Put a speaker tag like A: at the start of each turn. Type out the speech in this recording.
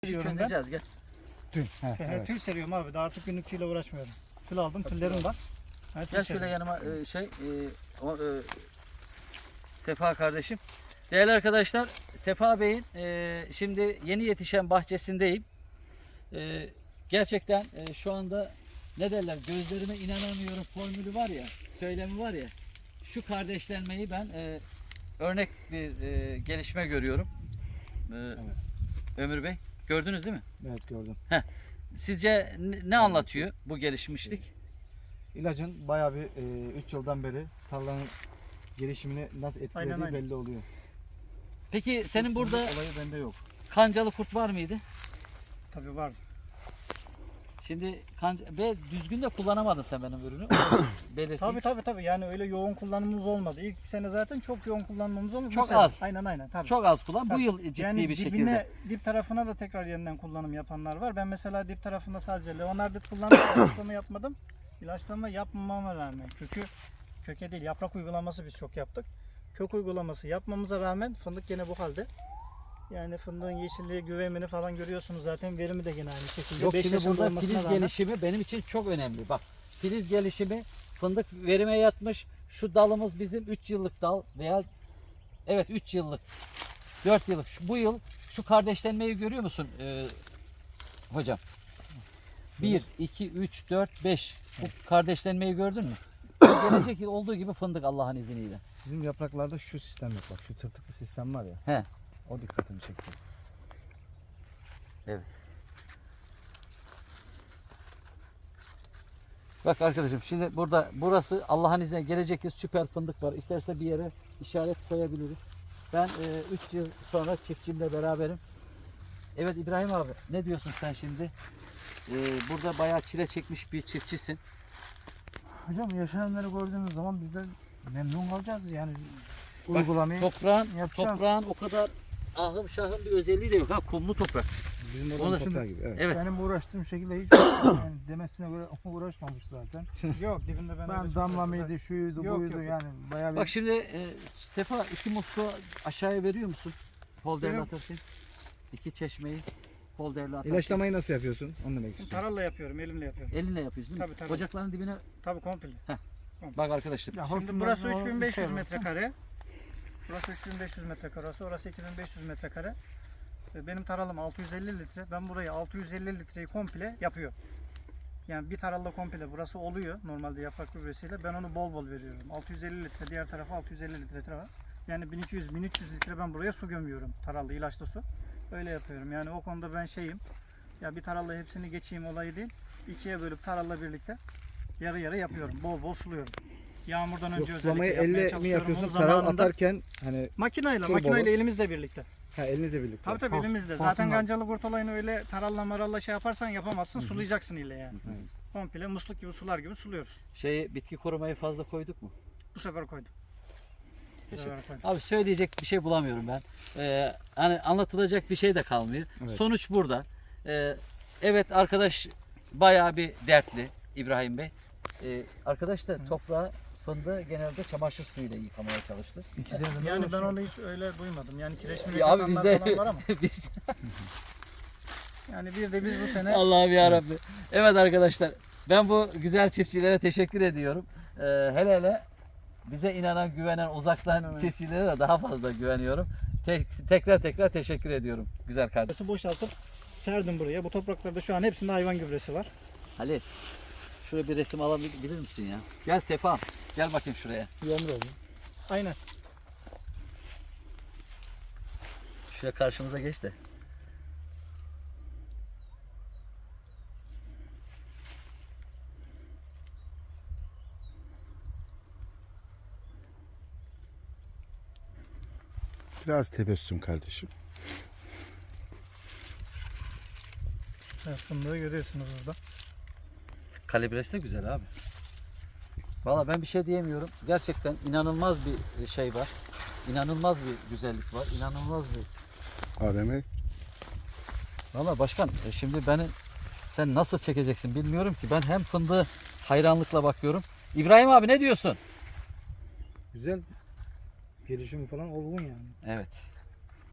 A: Çözeceğiz gel.
B: Tül. Evet.
C: Tül seriyorum abi. Daha artık günlükçüyle uğraşmıyorum. Tül aldım. Tüllerim var.
A: Gel şöyle
C: seriyorum.
A: yanıma Sefa kardeşim. Değerli arkadaşlar, Sefa Bey'in şimdi yeni yetişen bahçesindeyim. Gerçekten şu anda ne derler, gözlerime inanamıyorum formülü var ya, söylemi var ya. Şu kardeşlenmeyi ben örnek bir gelişme görüyorum.
B: Evet.
A: Ömür Bey, gördünüz değil mi?
B: Evet, gördüm.
A: Sizce ne anlatıyor bu gelişmişlik?
B: İlacın bayağı bir 3 yıldan beri tarlanın gelişimini nasıl etkilediği
C: Aynen.
B: belli oluyor.
A: Peki senin burada
B: Olayı bende yok.
A: kancalı kurt var mıydı?
C: Tabii vardı.
A: Şimdi ve düzgün de kullanamadın sen benim ürünü. Belirteyim.
C: Tabii. Yani öyle yoğun kullanımımız olmadı. İlk sene zaten çok yoğun kullanmamız olmadı.
A: Çok
C: Bu sene.
A: az.
C: Aynen tabii.
A: Çok az kullan. Bu
C: Tabii.
A: yıl ciddi
C: yani
A: bir
C: dibine,
A: şekilde.
C: dip tarafına da tekrar yeniden kullanım yapanlar var. Ben mesela dip tarafında sadece Leonardit kullandım. İlaçlama yapmadım. İlaçlama yapmamama rağmen köke değil, yaprak uygulaması biz çok yaptık. Kök uygulaması yapmamıza rağmen fındık gene bu halde. Yani fındığın yeşilliği, güvemini falan görüyorsunuz zaten. Verimi de gene aynı şekilde.
A: Yok,
C: 5
A: şimdi
C: yaşında
A: burada
C: olmasına
A: filiz
C: rağmen-
A: gelişimi benim için çok önemli. Bak, filiz gelişimi, fındık verime yatmış. Şu dalımız bizim 3 yıllık dal veya evet 3 yıllık, 4 yıllık. Bu yıl şu kardeşlenmeyi görüyor musun hocam? 1, 2, 3, 4, 5. Bu kardeşlenmeyi gördün mü? Gelecek yıl olduğu gibi fındık Allah'ın izniyle.
B: Bizim yapraklarda şu sistem yok, bak şu tırtıklı sistem var ya.
A: He.
B: O dikkatimi çekti.
A: Evet. Bak arkadaşım, şimdi burası Allah'ın izniyle gelecek yıl süper fındık var. İsterse bir yere işaret koyabiliriz. Ben 3 yıl sonra çiftçimle beraberim. Evet İbrahim abi, ne diyorsun sen şimdi? Burada bayağı çile çekmiş bir çiftçisin.
D: Hocam yaşananları gördüğümüz zaman biz de memnun kalacağız yani
A: Bak,
D: uygulamayı
A: Toprağın
D: yapacağız.
A: o kadar ahım şahım bir özelliği de yok. Ha, kumlu toprak.
B: Bizim
A: Onu
B: oranın
A: da
B: toprağı gibi. Evet.
A: Evet.
D: Benim uğraştığım şekilde hiç yani demesine göre uğraşmamış zaten.
C: Yok dibinde ben öyle
D: Ben
C: çok
D: damla
C: fazla-
D: mıydı, şuydu,
C: Yok,
D: buydu
C: yok.
D: yani bayağı bir
A: Bak şimdi Sefa, 2 musluğu aşağıya veriyor musun? Polderle
C: Veriyorum.
A: atarsın. 2 çeşmeyi polderle atarsın.
B: İlaçlamayı nasıl yapıyorsun? Onu demek istiyorum.
C: Taralla yapıyorum, elimle yapıyorum.
A: Elinle yapıyorsun değil mi?
C: Tabii.
A: Ocakların dibine
C: Tabii komple.
A: bak arkadaşlar.
D: Ya
C: Şimdi
D: hortumdan
C: burası
D: o
C: 3500
D: şey var.
C: metrekare. Burası 3500 metrekare, orası 2500 metrekare. Benim taralım 650 litre. Ben burayı 650 litreyi komple yapıyor. Yani bir taralla komple burası oluyor normalde yaprak gübresiyle. Ben onu bol bol veriyorum. 650 litre, diğer tarafa 650 litre var. Yani 1200-1300 litre ben buraya su gömüyorum. Tarallı, ilaçlı su. Öyle yapıyorum. Yani o konuda ben şeyim. Ya bir taralla hepsini geçeyim olayı değil. 2'ye bölüp taralla birlikte yarı yarı yapıyorum. Bol bol suluyorum. Yağmurdan önce
B: Yok, sulamayı
C: özellikle yapmaya
B: elle mi
C: çalışıyorum.
B: yapıyorsun?
C: Onu
B: Taral
C: zamanında
B: atarken hani
C: makineyle
B: Turbo.
C: elimizle birlikte.
B: elinizle birlikte.
C: Tabii
D: Hor-
C: elimizde.
D: hortumla.
C: Zaten gancalı kurt olayını öyle taralla maralla şey yaparsan yapamazsın. Sulayacaksın ile yani. Komple musluk gibi sular gibi suluyoruz.
A: Bitki korumayı fazla koyduk mu?
C: Bu sefer koydum. Bu
A: Teşekkür.
C: sefer koydum.
A: Abi söyleyecek bir şey bulamıyorum ben. Hani anlatılacak bir şey de kalmıyor.
B: Evet.
A: Sonuç burada. Evet arkadaş bayağı bir dertli İbrahim Bey. Arkadaş da toprağı, fındığı genelde çamaşır suyuyla yıkamaya çalıştı.
D: İkisine de
C: Yani ben
D: uğraşıyor.
C: onu hiç öyle duymadım. Yani kireçli
A: Ya abi
C: yapanlar
A: bizde
C: falan var ama.
A: biz
C: Yani bir de biz bu sene
A: Allah'ım ya Rabbi. Evet arkadaşlar, ben bu güzel çiftçilere teşekkür ediyorum. Hele bize inanan, güvenen uzaktan
C: Aynen.
A: çiftçilere de daha fazla güveniyorum. Tekrar teşekkür ediyorum güzel kardeşim.
C: boşaltıp serdim buraya. Bu topraklarda şu an hepsinde hayvan gübresi var.
A: Halil, şuraya bir resim alabilir misin ya? Gel Sefa, gel bakayım şuraya.
C: Yomru oldu. Aynen.
A: Şuraya karşımıza geç de.
E: Biraz tebessüm kardeşim.
C: Evet, fındığı görüyorsunuz burada.
A: Kalibresi de güzel abi. Valla ben bir şey diyemiyorum. Gerçekten inanılmaz bir şey var. İnanılmaz bir güzellik var. İnanılmaz bir...
E: Adem'e
A: Valla başkan, şimdi sen nasıl çekeceksin bilmiyorum ki. Ben hem fındığı hayranlıkla bakıyorum. İbrahim abi ne diyorsun?
B: Güzel gelişim falan olgun yani.
A: Evet.